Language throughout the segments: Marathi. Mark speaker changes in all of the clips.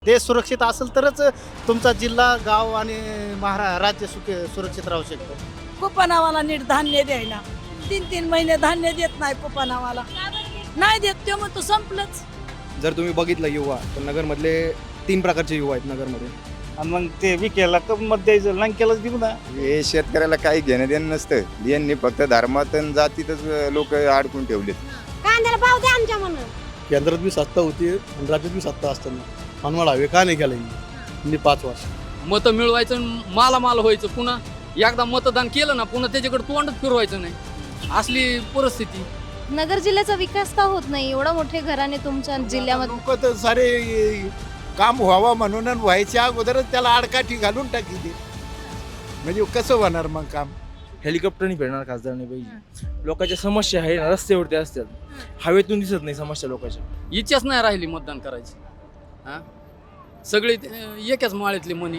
Speaker 1: देश सुरक्षित असेल तरच तुमचा जिल्हा गाव आणि राज्य सुरक्षित राहू शकतो.
Speaker 2: कुपनावाला नीट धान्य द्यायला 3-3 महिने धान्य देत नाही कुपनावाला नाही देत ते मग तो संपलंच.
Speaker 3: जर तुम्ही बघितलं युवा तर नगरमधले 3 प्रकारचे युवा आहेत नगरमध्ये.
Speaker 4: आणि मग ते विकेला कप मत द्यायचं लंकेलाच देऊ ना.
Speaker 5: हे शेतकऱ्याला काही घेणं देणं नसतं. यांनी फक्त धर्मात आणि जातीतच लोक अडकून ठेवलेत.
Speaker 6: कांद्याला भाव द्या आमच्या म्हणून.
Speaker 7: केंद्रात बी सत्ता होती आणि राज्यात बी सत्ता असताना मनमाड हवे का नाही केलं 5 वर्ष.
Speaker 8: मतं मिळवायचं मालामाल व्हायचं, पुन्हा एकदा मतदान केलं ना पुन्हा त्याच्याकडे तोंडच फिरवायचं नाही, असली परिस्थिती.
Speaker 6: नगर जिल्ह्याचा विकास का होत नाही? एवढा मोठे घराणे तुमच्या जिल्ह्यामध्ये.
Speaker 9: लोक तर सारे काम व्हावं म्हणून आणि व्हायच्या अगोदरच त्याला आडकाठी घालून टाकी ते, म्हणजे कसं होणार मग काम?
Speaker 3: हेलिकॉप्टरनी फिरणार खासदारने पाहिजे. लोकांच्या समस्या आहे ना रस्त्यावरती असतात, हवेतून दिसत नाही समस्या लोकांच्या.
Speaker 8: इच्छाच नाही राहिली मतदान करायची. हा, सगळे एकाच माळ्यातले मनी.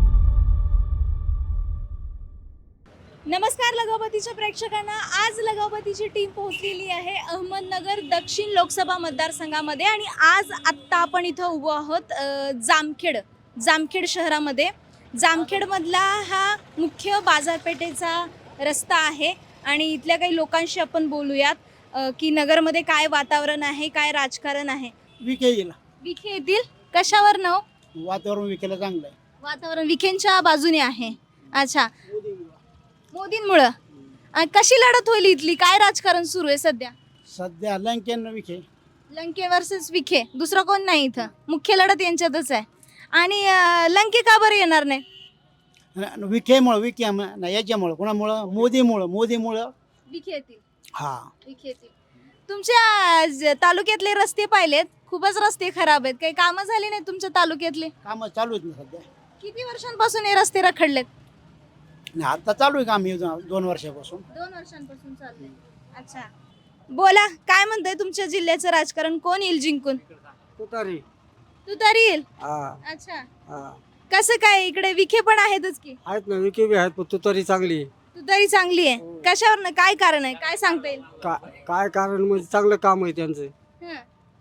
Speaker 6: नमस्कार लगावतीच्या प्रेक्षकांना. आज लगावतीची टीम पोहोचलेली आहे अहमदनगर दक्षिण लोकसभा मतदारसंघामध्ये आणि आज आत्ता आपण इथं उभं आहोत जामखेड शहरामध्ये. जामखेडमधला हा मुख्य बाजारपेठेचा रस्ता आहे आणि इथल्या काही लोकांशी आपण बोलूयात की नगरमध्ये काय वातावरण आहे, काय राजकारण आहे.
Speaker 2: विखे येईल
Speaker 6: विखे येतील कशावर नाव?
Speaker 2: वातावरण विकेला चांगलं आहे.
Speaker 6: वातावरण विखेंच्या बाजूने आहे. अच्छा, मोदींमुळं. कशी लढत होईल इथली? काय राजकारण सुरू आहे सध्या?
Speaker 2: सध्या लंकेन विखे.
Speaker 6: लंके वर्सेस विखे, दुसरं कोण नाही इथं. मुख्य लढत यांच्यातच आहे. आणि लंके का बरं येणार नाही?
Speaker 2: विखेमुळं याच्यामुळं कोणामुळं? मोदीमुळं
Speaker 6: विखे येतील.
Speaker 2: हा,
Speaker 6: विखे येतील. तुमच्या तालुक्यातले रस्ते पाहिलेत, खूपच रस्ते खराब आहेत. काही कामं झाली नाही तुमच्या तालुक्यातले?
Speaker 2: काम चालू आहेत ना सध्या.
Speaker 6: किती वर्षांपासून हे रस्ते रखडलेत?
Speaker 2: आता चालू आहे काम 2 वर्षापासून.
Speaker 6: 2 वर्षांपासून चालू आहे. अच्छा, बोला काय म्हणताय तुमच्या जिल्ह्याचं राजकारण? कोण येईल जिंकून? तू तरी येईल. अच्छा, कसं काय? इकडे विखे पण आहेतच की.
Speaker 4: आहेत ना, विके बी आहेत, पण तू तरी चांगली.
Speaker 6: तू तरी चांगली आहे. कशावर? काय कारण आहे? काय सांगता येईल?
Speaker 4: काय कारण म्हणजे चांगलं काम आहे त्यांचं.
Speaker 6: हं.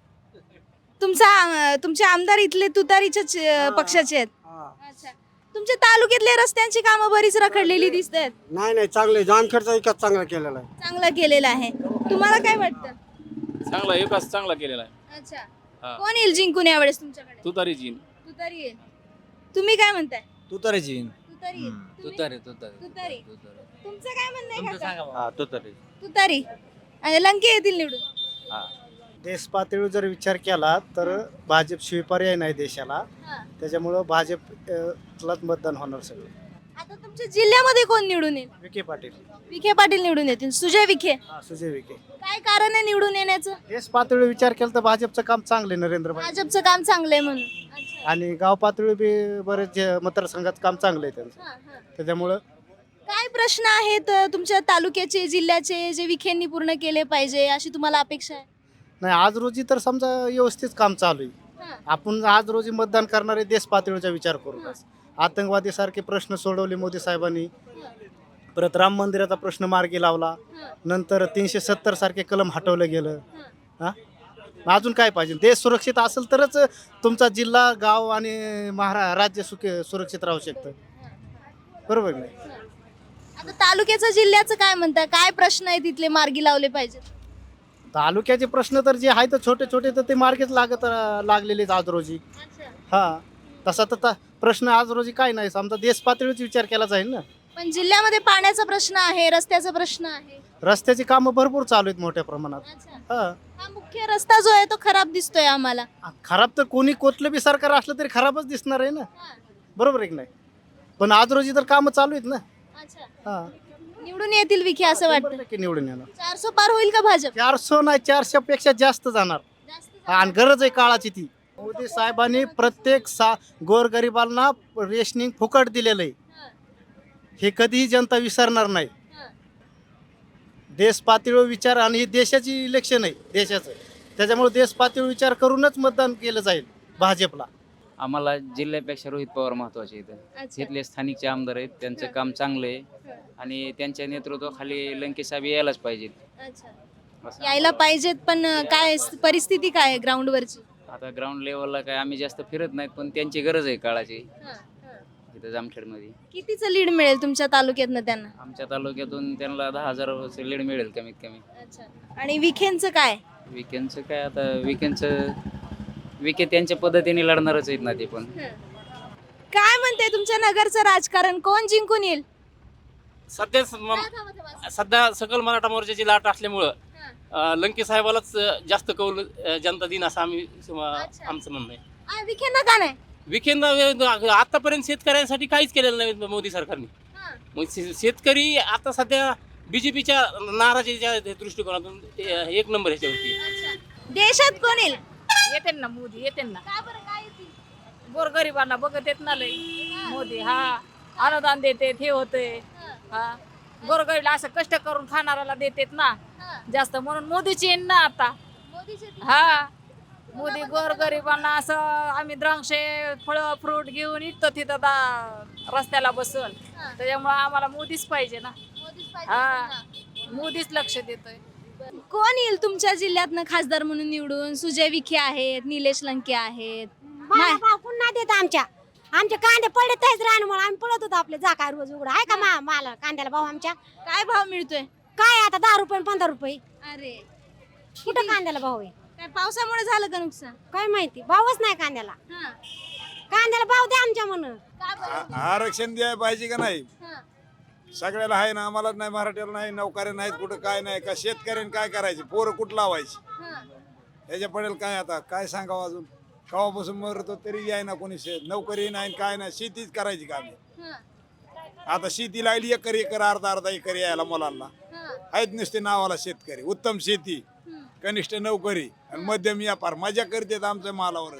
Speaker 6: तुमचे आमदार इथले तुतारीच्याच पक्षाचे आहेत. अच्छा, तुमच्या तालुक्यातले रस्त्यांची कामं बरीच रखडलेली दिसत आहेत.
Speaker 4: नाही चांगलं जामखेडचा विकास चांगला केलेला आहे.
Speaker 6: चांगला केलेला आहे. तुम्हाला काय वाटतं?
Speaker 8: चांगला विकास चांगला केलेला आहे.
Speaker 6: अच्छा, कोण येईल जिंकून यावेळेस तुमच्याकडे?
Speaker 8: तुतारी जीन.
Speaker 6: तुतारी येईल. तुम्ही काय म्हणताय?
Speaker 3: तुतारीची
Speaker 6: तुतारी येईल.
Speaker 8: तुतारी
Speaker 6: तुतारी. तुमचं काय म्हणणं आहे काका?
Speaker 3: तुतारी.
Speaker 6: तुतारी. आणि लंके येतील निवडून.
Speaker 1: देश पातळीवर जर विचार केला तर भाजप शिवाय पर्याय नाही देशाला.
Speaker 6: हां.
Speaker 1: त्याच्यामुळं भाजपलाच मतदान होणार सगळं.
Speaker 6: आता तुमच्या जिल्ह्यामध्ये कोण निवडून येईल?
Speaker 1: विखे पाटील.
Speaker 6: विखे पाटील निवडून येतील. सुजय विखे.
Speaker 1: सुजय विखे.
Speaker 6: काय कारण आहे निवडून येण्याचं?
Speaker 1: देश पातळीवर विचार केला तर भाजपचं काम चांगलं आहे, नरेंद्र भाई.
Speaker 6: भाजपचं काम चांगलं आहे म्हणून. अच्छा.
Speaker 1: आणि गाव पातळीवर बी बरेच मतदारसंघात काम चांगलं आहे त्यांचं.
Speaker 6: हां, हां.
Speaker 1: त्याच्यामुळं
Speaker 6: काय प्रश्न आहेत तुमच्या तालुक्याचे, जिल्ह्याचे, जे विखेंनी पूर्ण केले पाहिजे अशी तुम्हाला अपेक्षा आहे?
Speaker 1: नाही, आज रोजी तर समजा व्यवस्थित काम चालू आहे.
Speaker 6: हां.
Speaker 1: आपण आज रोजी मतदान करणारे देश पातळीचा विचार करू. आतंकवादी सारखे प्रश्न सोडवले मोदी साहेबांनी. परत राम मंदिराचा प्रश्न मार्गी लावला. नंतर 370 सारखे कलम हटवलं गेलं. हा, अजून काय पाहिजे? देश सुरक्षित असेल तरच तुमचा जिल्हा गाव आणि राज्य सुरक्षित राहू शकतं. बरोबर नाही?
Speaker 6: आता तालुक्याचं जिल्ह्याचं काय म्हणताय? काय प्रश्न आहेत तिथले मार्गी लावले पाहिजेत?
Speaker 1: तालुक्याचे प्रश्न तर जे आहेत छोटे छोटे तर ते मार्गीच लागलेलेच आज रोजी. हा, तसा तर प्रश्न आज रोजी काय नाही. समजा देश पातळीवर विचार केला जाईल ना.
Speaker 6: पण जिल्ह्यामध्ये पाण्याचा प्रश्न आहे, रस्त्याचा प्रश्न आहे.
Speaker 1: रस्त्याची कामं भरपूर चालू आहेत मोठ्या प्रमाणात.
Speaker 6: अच्छा.
Speaker 1: हा,
Speaker 6: हा मुख्य रस्ता जो आहे तो खराब दिसतोय आम्हाला.
Speaker 1: खराब तर कुठलं बी सरकार असलं तरी खराबच दिसणार आहे ना. बरोबर आहे की नाही? पण आज रोजी तर कामं चालू आहेत ना.
Speaker 6: अच्छा,
Speaker 1: हा,
Speaker 6: निवडून येतील विखे असं वाटतं?
Speaker 1: की निवडून येणार.
Speaker 6: 400 पार होईल का भाजप?
Speaker 1: 400 नाही, 400 पेक्षा जास्त जाणार.
Speaker 6: जास्त
Speaker 1: आणि गरज आहे काळाची ती. मोदी साहेबांनी प्रत्येक गोरगरिबांना रेशनिंग फुकट दिलेलं आहे. हे कधीही जनता विसरणार नाही. देश पातळीवर विचार, आणि ही देशाची इलेक्शन आहे देशाचं, त्याच्यामुळे देश पातळीवर विचार करूनच मतदान केलं जाईल भाजपला.
Speaker 10: आम्हाला जिल्ह्यापेक्षा रोहित पवार महत्वाचे आहेत. इथले स्थानिकचे आमदार आहेत, त्यांचं काम चांगलं आहे आणि त्यांच्या नेतृत्वाखाली लंके साहेब यायलाच पाहिजेत.
Speaker 6: अच्छा, यायला पाहिजेत. पण काय परिस्थिती काय आहे ग्राउंडवरची?
Speaker 10: आता ग्राउंड लेवलला काय आम्ही जास्त फिरत नाहीत, पण त्यांची गरज आहे काळाची इथं जामखेडमध्ये.
Speaker 6: कितीचं लीड मिळेल तुमच्या तालुक्यातनं त्यांना?
Speaker 10: आमच्या तालुक्यातून त्यांना 10,000 लीड मिळेल कमीत कमी.
Speaker 6: आणि विखेंचं काय?
Speaker 10: विकेंडचं काय आता विके त्यांच्या पद्धतीने लढणारच आहेत ना ते पण.
Speaker 6: काय म्हणते तुमच्या नगरचं राजकारण, कोण जिंकून येईल?
Speaker 11: सध्या सकल मराठा मोर्चाची लाट असल्यामुळं लंके साहेबालाच जास्त कौल जनता दिन असं आमचं म्हणणं आहे.
Speaker 6: विखेंना का नाही?
Speaker 11: विकेंड आतापर्यंत शेतकऱ्यांसाठी काहीच केलेलं नाही मोदी सरकारने. मग शेतकरी आता सध्या बीजेपीच्या नाराजीच्या दृष्टिकोनातून एक नंबर ह्याच्यावरती.
Speaker 6: देशात कोण येईल?
Speaker 2: येते ना मोदी, येते ना.
Speaker 6: का बरं, काय येतील?
Speaker 2: गोरगरिबांना बघत येत ना लय मोदी. हा अनुदान देते, हे होते. हा गोरगरीला असं कष्ट करून खाणाऱ्याला देतेत ना जास्त, म्हणून मोदीची येईन ना आता. हा मोदी गोरगरिबांना असं आम्ही द्राक्षे फळं फ्रूट घेऊन येतो तिथं रस्त्याला बसून, त्याच्यामुळे आम्हाला मोदीच पाहिजे ना. हा मोदीच लक्ष देतोय.
Speaker 6: कोण येईल तुमच्या जिल्ह्यातनं खासदार म्हणून निवडून? सुजय विखे आहेत, निलेश लंके आहेत.
Speaker 12: पुन्हा देत आमच्या कांदे पडत आहेच रानमुळे आम्ही पळत होतो आपले जा काय रोज उघडा आहे का मला कांद्याला भाव आमच्या
Speaker 6: काय भाव मिळतोय?
Speaker 12: काय आता 10 रुपये 15 रुपये.
Speaker 6: अरे
Speaker 12: कुठं कांद्याला भाव आहे?
Speaker 6: काय पावसामुळे झालं का नुकसान?
Speaker 12: काय माहिती, भावच नाही कांद्याला. कांद्याला भाव द्या आमच्या म्हणून.
Speaker 9: आरक्षण द्यायला पाहिजे का नाही? सगळ्याला आहे ना, आम्हाला नाही, मराठ्याला नाही, नोकऱ्या नाहीत, कुठं काय नाही का. शेतकऱ्यांनी काय करायचे, पोरं कुठं लावायची? ह्याच्या पडेल काय आता, काय सांगावं अजून. कवापासून मरतो तरी आहे ना कोणी नोकरी नाही, काय नाही, शेतीच करायची का आम्ही. आता शेती लागली एकर अर्धा एकर यायला मुलांना आहेत नुसते नावाला शेतकरी. उत्तम शेती, कनिष्ठ नोकरी आणि मध्यम व्यापार मजा करतात आमच्या मालावरच.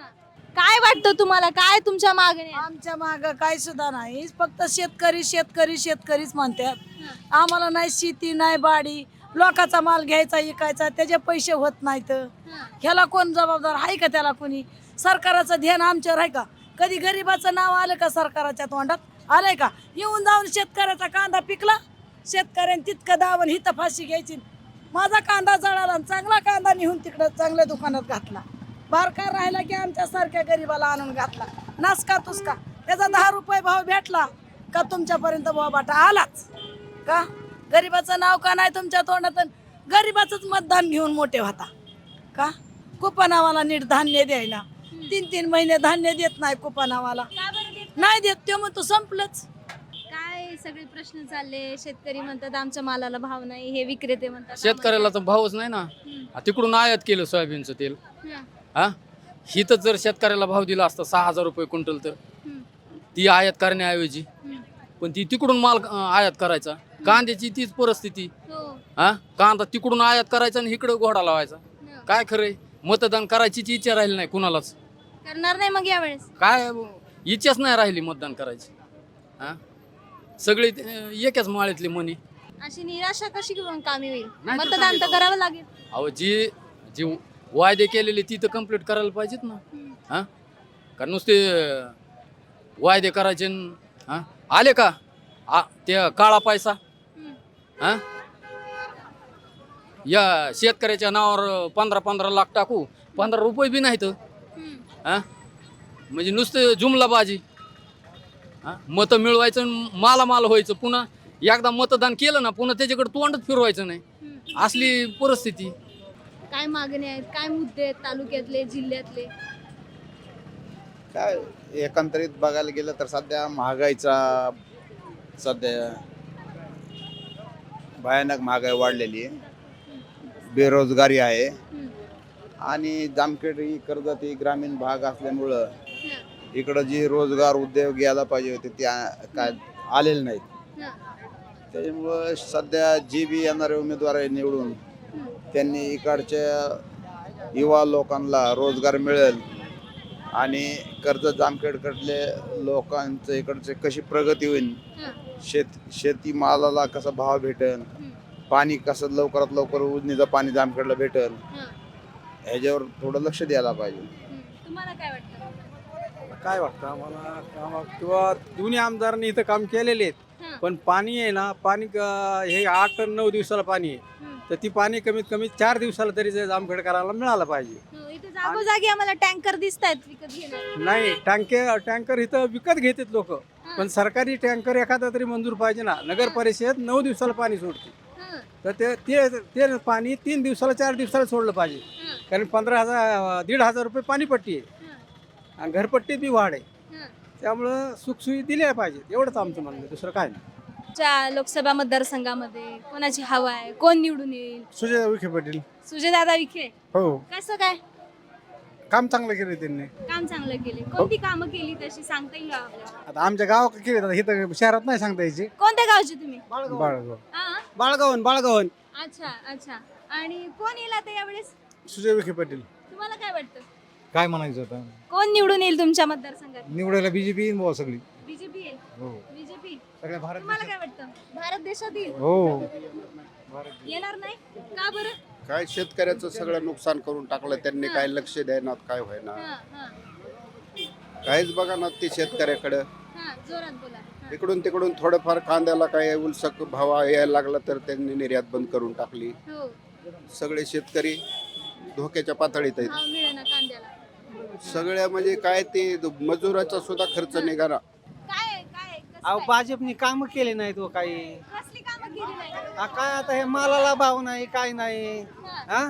Speaker 6: काय वाटतं तुम्हाला, काय तुमच्या मागणी?
Speaker 2: आमच्या माग काय सुद्धा नाही, फक्त शेतकरी शेतकरी शेतकरीच म्हणतात. आम्हाला नाही शेती नाही बाडी, लोकांचा माल घ्यायचा विकायचा, त्याचे पैसे होत नाहीत. ह्याला कोण जबाबदार आहे का? त्याला कोणी सरकाराचं ध्यान आमच्यावर आहे का? कधी गरिबाचं नाव आलं का सरकाराच्या तोंडात? आलंय का? येऊन जाऊन शेतकऱ्याचा कांदा पिकला, शेतकऱ्याने तितकं दावण हिथं फाशी घ्यायची. माझा कांदा जळाला, चांगला कांदा नेऊन तिकडं चांगल्या दुकानात घातला. बारकार राहिला की आमच्या सारख्या गरीबाला आणून घातला. नासका तुसका त्याचा 10 रुपये भाव भेटला का तुमच्यापर्यंत भाव बाटा आलाच का? गरीबाचं नाव का नाही तुमच्या तोंडात? गरीबाचंच मतदान घेऊन मोठे होता का? कुपनावाला नीट धान्य द्यायला 3-3 महिने धान्य देत नाही कुपनावाला. नाही देत ते मग तो संपलंच.
Speaker 6: काय सगळे प्रश्न चालले? शेतकरी म्हणतात आमच्या मालाला भाव नाही, हे विक्रेते म्हणतात
Speaker 8: शेतकऱ्याला तर भावच नाही ना. तिकडून आयात केलं सोयाबीनचं तेल. हा हिथं जर शेतकऱ्याला भाव दिला असता 6,000 रुपये क्विंटल, तर ती आयात करण्याऐवजी पण ती तिकडून माल आयात करायचा. कांद्याची तीच परिस्थिती. हा कांदा तिकडून आयात करायचा आणि इकडं घोडा लावायचा. काय खरंय? मतदान करायचीच इच्छा राहिली नाही कुणालाच.
Speaker 6: करणार नाही मग यावेळेस?
Speaker 8: काय इच्छाच नाही राहिली मतदान करायची. हा सगळे एकाच माळ्यातले मनी.
Speaker 6: अशी निराशा कशी कामी होईल?
Speaker 8: नाही तर
Speaker 6: मतदान तर करावं लागेल.
Speaker 8: अहो जी वायदे केलेले ती तर कम्प्लीट करायला पाहिजेत ना. हा कारण नुसते वायदे करायचे आले का ते काळा पैसा. हा या शेतकऱ्याच्या नावावर 15-15 लाख टाकू, 15 रुपये बी नाहीत. हा म्हणजे नुसतं जुमलाबाजी. मतं मिळवायचं, मालामाल व्हायचं, पुन्हा एकदा मतदान केलं ना पुन्हा त्याच्याकडे तोंडच फिरवायचं नाही, असली परिस्थिती.
Speaker 6: काय मागणी आहेत, काय मुद्दे आहेत तालुक्यातले, जिल्ह्यातले?
Speaker 5: काय एकंदरीत बघायला गेलं तर सध्या महागाईचा सध्या भयानक महागाई वाढलेली आहे, बेरोजगारी आहे आणि जामखेड ही कर्जत ही ग्रामीण भाग असल्यामुळं इकडं जी रोजगार उद्योग यायला पाहिजे होते ते काय आलेले नाहीत. त्याच्यामुळं सध्या जी बी येणारे उमेदवार आहे निवडून त्यांनी इकडच्या युवा लोकांना रोजगार मिळेल आणि कर्जत जामखेडकडले लोकांचं इकडचे कशी प्रगती होईल, शेती मालाला कसा भाव भेटेल, पाणी कसं लवकरात लवकर उजनीचं पाणी जामखेडला भेटेल, ह्याच्यावर थोडं लक्ष द्यायला पाहिजे.
Speaker 6: तुम्हाला काय वाटतं?
Speaker 4: काय वाटतं आम्हाला काम किंवा दोन्ही आमदारांनी इथं काम केलेले आहेत, पण पाणी आहे ना, पाणी हे 8-9 दिवसाला पाणी आहे, तर ती पाणी कमीत कमी 4 दिवसाला तरी जामखेडकरांना मिळालं पाहिजे.
Speaker 6: इथे जागोजागी आम्हाला टँकर दिसत आहेत विकत घेणार.
Speaker 4: नाही टँकर इथं विकत घेतात लोक, पण सरकारी टँकर एखादा तरी मंजूर पाहिजे ना. नगर परिषद 9 दिवसाला पाणी सोडते, तर ते पाणी 3 दिवसाला 4 दिवसाला सोडलं पाहिजे. कारण 1,500 रुपये पाणीपट्टी आहे आणि घरपट्टीत बी वाढ आहे. त्यामुळं सुखसुविधा दिल्या पाहिजेत, एवढंच आमचं म्हणणं आहे, दुसरं काय नाही.
Speaker 6: च्या लोकसभा मतदारसंघामध्ये कोणाची हवा आहे, कोण निवडून येईल?
Speaker 7: सुजय विखे पाटील.
Speaker 6: सुजयदादा विखे.
Speaker 7: हो,
Speaker 6: कसं काय?
Speaker 7: काम चांगलं केलं त्यांनी.
Speaker 6: काम चांगलं केले. कोणती कामं केली तशी सांगता येईल का आपल्याला?
Speaker 7: आता आमच्या गावात केले, इथं शहरात नाही सांगता यायची.
Speaker 6: कोणत्या गावचे तुम्ही?
Speaker 7: बाळगाव.
Speaker 6: हा?
Speaker 4: बाळगावन.
Speaker 6: अच्छा. आणि कोण येईल आता यावेळेस?
Speaker 7: सुजय विखे पाटील.
Speaker 6: तुम्हाला काय वाटतं?
Speaker 7: काय म्हणायचं आता,
Speaker 6: कोण निवडून येईल तुमच्या मतदारसंघात?
Speaker 7: निवडायला बीजेपी येईन सगळी.
Speaker 6: बीजेपी येईल.
Speaker 7: हो,
Speaker 6: बीजेपी.
Speaker 7: सगळ्या भारत
Speaker 6: तुम्हाला काय वाटतं? भारत देशात येईल?
Speaker 7: हो.
Speaker 6: येणार नाही का बरं?
Speaker 5: काय शेतकऱ्याचं सगळं नुकसान करून टाकलं त्यांनी, काय लक्ष द्यायना, काय व्हायना,
Speaker 6: हा.
Speaker 5: काहीच बघा ना ते शेतकऱ्याकडं.
Speaker 6: जोरात बोला.
Speaker 5: इकडून तिकडून थोडंफार कांद्याला काय उलसक भाव यायला लागला तर त्यांनी निर्यात बंद करून टाकली.
Speaker 6: हो.
Speaker 5: सगळे शेतकरी धोक्याच्या पातळीत आहेत.
Speaker 6: भाव मिळेना कांद्याला.
Speaker 5: सगळ्या म्हणजे काय ते मजुराचा सुद्धा खर्च निघाला.
Speaker 6: काय कसं
Speaker 4: अहो
Speaker 6: काय?
Speaker 4: भाजपनी कामं केले नाहीत व काही.
Speaker 6: कसली कामं केली नाही?
Speaker 4: काय आता हे मालाला भाव नाही, काय नाही. हा,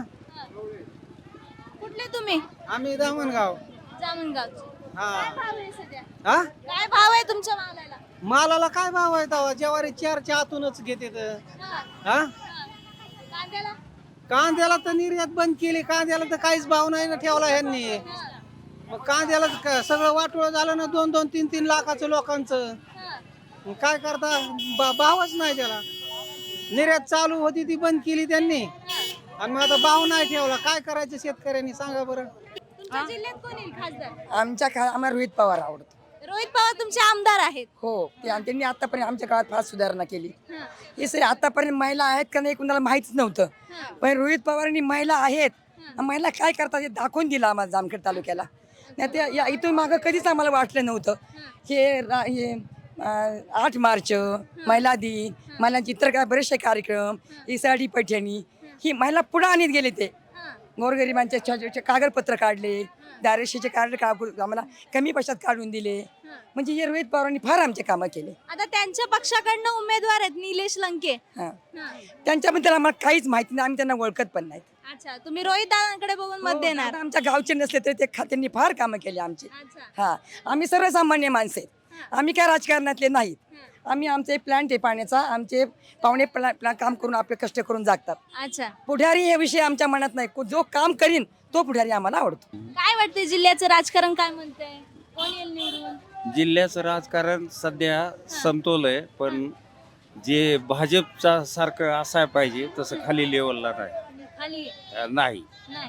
Speaker 6: कुठले तुम्ही?
Speaker 4: आम्ही दामणगाव.
Speaker 6: जामणगावचे.
Speaker 4: हा.
Speaker 6: काय भाव आहे सध्या?
Speaker 4: हा,
Speaker 6: काय भाव आहे तुमच्या मालाला?
Speaker 4: मालाला काय भाव आहे तेव्हा? ज्वारी 4च्या आतूनच घेते. हा,
Speaker 6: कांद्याला?
Speaker 4: कांद्याला तर निर्यात बंद केली, कांद्याला तर काहीच भाव नाही ना ठेवला ह्यांनी. मग कांद्याला सगळं वाटोळं झालं ना, 2-2, 3-3 लाखाचं लोकांचं. मग काय करता, भावच नाही त्याला. निर्यात चालू होती ती बंद केली त्यांनी, आणि मग आता भाव नाही ठेवला. काय करायचं शेतकऱ्यांनी, सांगा बरं.
Speaker 6: तुमच्या जिल्ह्यात कोण येईल खासदार?
Speaker 13: आम्हाला रोहित पवार आवडतो.
Speaker 6: रोहित पवार तुमचे आमदार आहेत.
Speaker 13: हो, त्यांनी आतापर्यंत आमच्या गावात फार सुधारणा केली.
Speaker 6: हा.
Speaker 13: हे सर आतापर्यंत महिला आहेत का नाही कुणाला माहितीच नव्हतं, पण रोहित पवारांनी महिला आहेत, महिला काय करतात हे दाखवून दिलं आम्हाला जामखेड तालुक्याला. नाही ते इथून मागं कधीच आम्हाला वाटलं नव्हतं. हे 8 मार्च महिला दिन, महिलांचे इतर काय बरेचसे कार्यक्रम, ही साडी पैठणी, ही महिला पुढे आणत गेले. ते गोरगरिबांचे कागदपत्र काढले, दारेशीचे कार्ड आम्हाला कमी पैशात काढून दिले. म्हणजे हे रोहित पवारांनी फार आमचे कामं केले.
Speaker 6: आता त्यांच्या पक्षाकडनं उमेदवार आहेत निलेश लंके.
Speaker 13: हां, त्यांच्याबद्दल आम्हाला काहीच माहिती नाही, आम्ही त्यांना ओळखत पण नाही.
Speaker 6: अच्छा, तुम्ही रोहित दादांकडे बघून मत देणार?
Speaker 13: आता आमच्या गावचे नसले तरी ते त्यांनी फार कामं केली आमची.
Speaker 6: अच्छा.
Speaker 13: हा, आम्ही सर्वसामान्य माणसं आहेत, आम्ही काय राजकारणातले नाहीत. आम्ही आमचे प्लॅन आहे पाण्याचा, आमचे पाहुणे काम करून आपले कष्ट करून जागतात.
Speaker 6: अच्छा.
Speaker 13: पुढारी हे विषय आमच्या मनात नाही, जो काम करीन तो पुढारी आम्हाला आवडतो.
Speaker 6: काय वाटतंय जिल्ह्याचं राजकारण काय म्हणतंय? कोण येईल निवडून?
Speaker 14: जिल्ह्याचं राजकारण सध्या समतोल आहे, पण जे भाजपचा सारखं असायला पाहिजे तसं खाली लेवलला
Speaker 6: खाली
Speaker 14: नाही.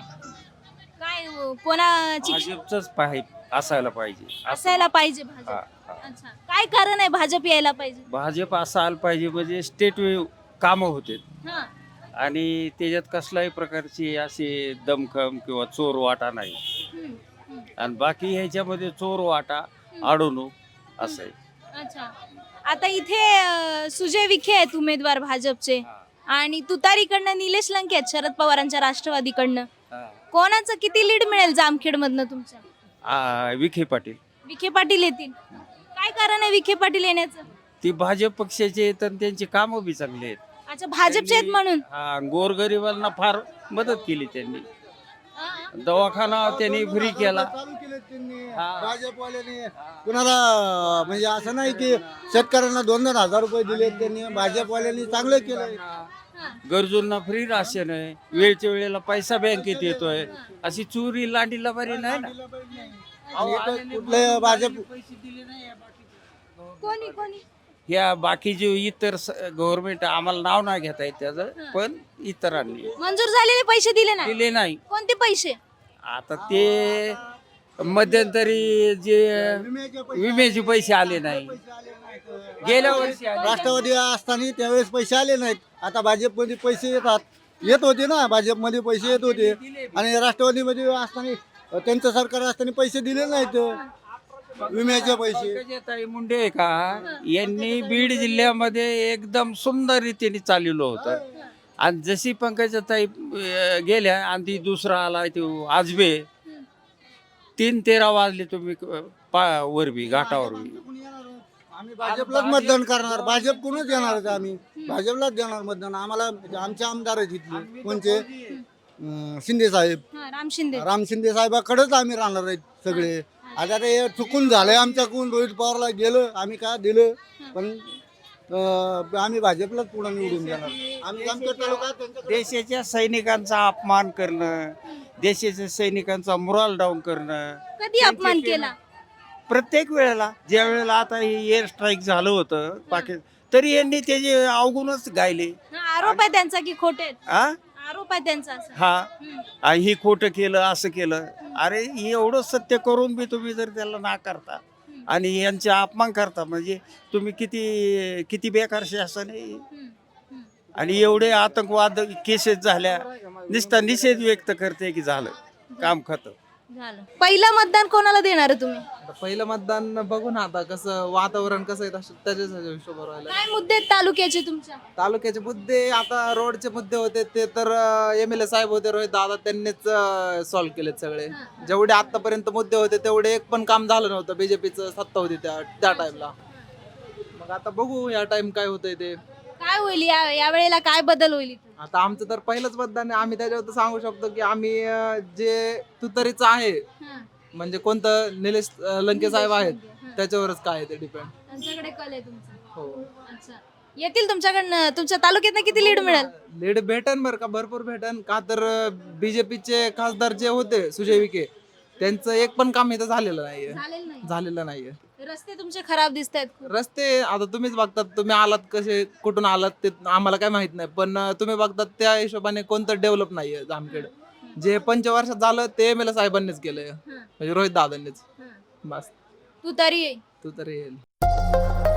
Speaker 6: काय कोणाची
Speaker 14: भाजपच असायला पाहिजे.
Speaker 6: असायला पाहिजे भाजप? अच्छा, काय कारण आहे भाजप यायला पाहिजे?
Speaker 14: भाजप असायला पाहिजे म्हणजे स्टेट कामं होते
Speaker 6: हा.
Speaker 14: आणि त्याच्यात कसल्याही प्रकारची असे दमखम किंवा चोर वाटा नाही. आणि बाकी ह्याच्यामध्ये चोर वाटा अडवणूक असं आहे.
Speaker 6: अच्छा, आता इथे सुजय विखे आहेत उमेदवार भाजपचे, आणि तुतारीकडनं निलेश लंके आहेत शरद पवारांच्या राष्ट्रवादीकडनं. कोणाचं किती लीड मिळेल जामखेड मधनं तुमच्या?
Speaker 14: विखे पाटील.
Speaker 6: विखे पाटील येतील. काय कारण आहे विखे पाटील येण्याचं?
Speaker 14: ती भाजप पक्षाचे आहेत आणि त्यांची कामं बी चांगली आहेत.
Speaker 6: अच्छा, भाजपचे आहेत म्हणून?
Speaker 14: हा, गोरगरिबांना फार मदत केली त्यांनी. दवाखाना त्यांनी फ्री केला.
Speaker 7: भाजपवाल्यांनी कुणाला म्हणजे असं नाही की शेतकऱ्यांना 2-2 हजार रुपये दिले, त्यांनी भाजपवाल्यांनी चांगलं केलं.
Speaker 14: गरजूंना फ्री राशन आहे, वेळच्या वेळेला पैसा बँकेत येतोय. अशी चोरी लांडीला बरी नाही ना.
Speaker 7: कुठले भाजप
Speaker 6: कोणी
Speaker 14: या बाकीचे इतर गव्हर्नमेंट आम्हाला नाव नाही घेता येत त्याचं, पण इतरांनी
Speaker 6: मंजूर झालेले पैसे दिले
Speaker 14: दिले नाही.
Speaker 6: कोणते पैसे?
Speaker 14: आता ते मध्यंतरी जे विम्याचे पैसे आले नाही, गेल्या वर्षी
Speaker 7: राष्ट्रवादी असताना त्यावेळेस पैसे आले नाहीत. आता भाजपमध्ये पैसे येत होते ना, भाजपमध्ये पैसे येत होते, आणि राष्ट्रवादीमध्ये असताना त्यांचं सरकार असताना पैसे दिले नाहीत विम्याचे पैसे.
Speaker 14: पंकजाताई मुंडे आहे का, यांनी बीड जिल्ह्यामध्ये एकदम सुंदर रीतीने चालवलं होतं. आणि जशी पंकजाताई गेल्या आणि ती दुसरा आला तो आजबे, 3-13 वाजले तुम्ही वरबी घाटावर बी.
Speaker 7: आम्ही भाजपलाच मतदान करणार. भाजप कोणच येणार आहे आम्ही भाजपलाच देणार मतदान. आम्हाला आमचे आमदार आहेत इथले कोणचे शिंदे साहेब,
Speaker 6: राम शिंदे.
Speaker 7: राम शिंदे साहेबाकडेच आम्ही राहणार आहेत सगळे. आता ते चुकून झालंय आमच्याकडून. रोहित पवारला गेलं आम्ही काय दिलं, पण आम्ही भाजपलाच पुढे निवडून देणार. आम्ही जामखेड तालुका
Speaker 14: देशाच्या सैनिकांचा अपमान करणं, देशाच्या सैनिकांचा मुराल डाऊन करणं,
Speaker 6: कधी अपमान केला?
Speaker 14: प्रत्येक वेळेला. ज्या वेळेला आता हे एअर स्ट्राईक झालं होतं तरी यांनी त्याचे अवगुणच गायले.
Speaker 6: आरोप आहे त्यांचा की खोटे आहेत?
Speaker 14: हा
Speaker 6: आरोप आहे त्यांचा असं.
Speaker 14: हा ही खोटं केलं असं केलं. अरे हे एवढं सत्य करून बी तुम्ही जर त्याला नाकारता आणि यांचा अपमान करता म्हणजे तुम्ही किती किती बेकार शासन आहे. आणि एवढे आतंकवाद केसेस झाल्या, नुसता निषेध व्यक्त करते की झालं काम खतम
Speaker 6: झालं. पहिलं मतदान कोणाला देणार आहे तुम्ही?
Speaker 3: पहिलं मतदान बघू ना आता कसं वातावरण कसं आहे त्याच्याच हिशोबावर राहिलं.
Speaker 6: काय मुद्दे आहेत तालुक्याचे तुमच्या?
Speaker 3: तालुक्याचे मुद्दे आता रोडचे मुद्दे होते ते तर MLA साहेब होते रोहित दादा, त्यांनीच सॉल्व्ह केलेत सगळे. जेवढे आतापर्यंत मुद्दे होते तेवढे एक पण काम झालं नव्हतं. बीजेपीचं सत्ता होती त्या टाइमला. मग आता बघू या टाइम काय होतंय ते.
Speaker 6: काय होईल या वेळेला, काय बदल होईल इथं?
Speaker 3: आता आमचं तर पहिलंच मतदान आहे. आम्ही त्याच्यावर सांगू शकतो की आम्ही जे तुतारीचं आहे म्हणजे कोणतं निलेश लंके साहेब आहेत त्याच्यावरच काय आहे ते डिपेंड.
Speaker 6: त्यांच्याकडे कल आहे तुमचा.
Speaker 3: हो.
Speaker 6: अच्छा. येतील तुमच्याकडनं, तुमच्या तालुक्यात किती लीड मिळेल?
Speaker 3: लीड भेटन बरं का, भरपूर भेटन का. तर बीजेपीचे खासदार जे होते सुजय विखे त्यांचं एक पण काम इथं झालेलं नाहीये.
Speaker 6: रस्ते तुमचे खराब दिसत आहेत.
Speaker 3: रस्ते आता तुम्हीच बघतात. तुम्ही आलात कसे कुठून आलात ते आम्हाला काय माहित नाही, पण तुम्ही बघतात त्या हिशोबाने कोणतं डेव्हलप नाहीये जामखेड. जे पंचवर्षात झालं ते MLA साहेबांनीच केलंय म्हणजे रोहित दादांनीच. बस
Speaker 6: तू तरी
Speaker 3: येईल.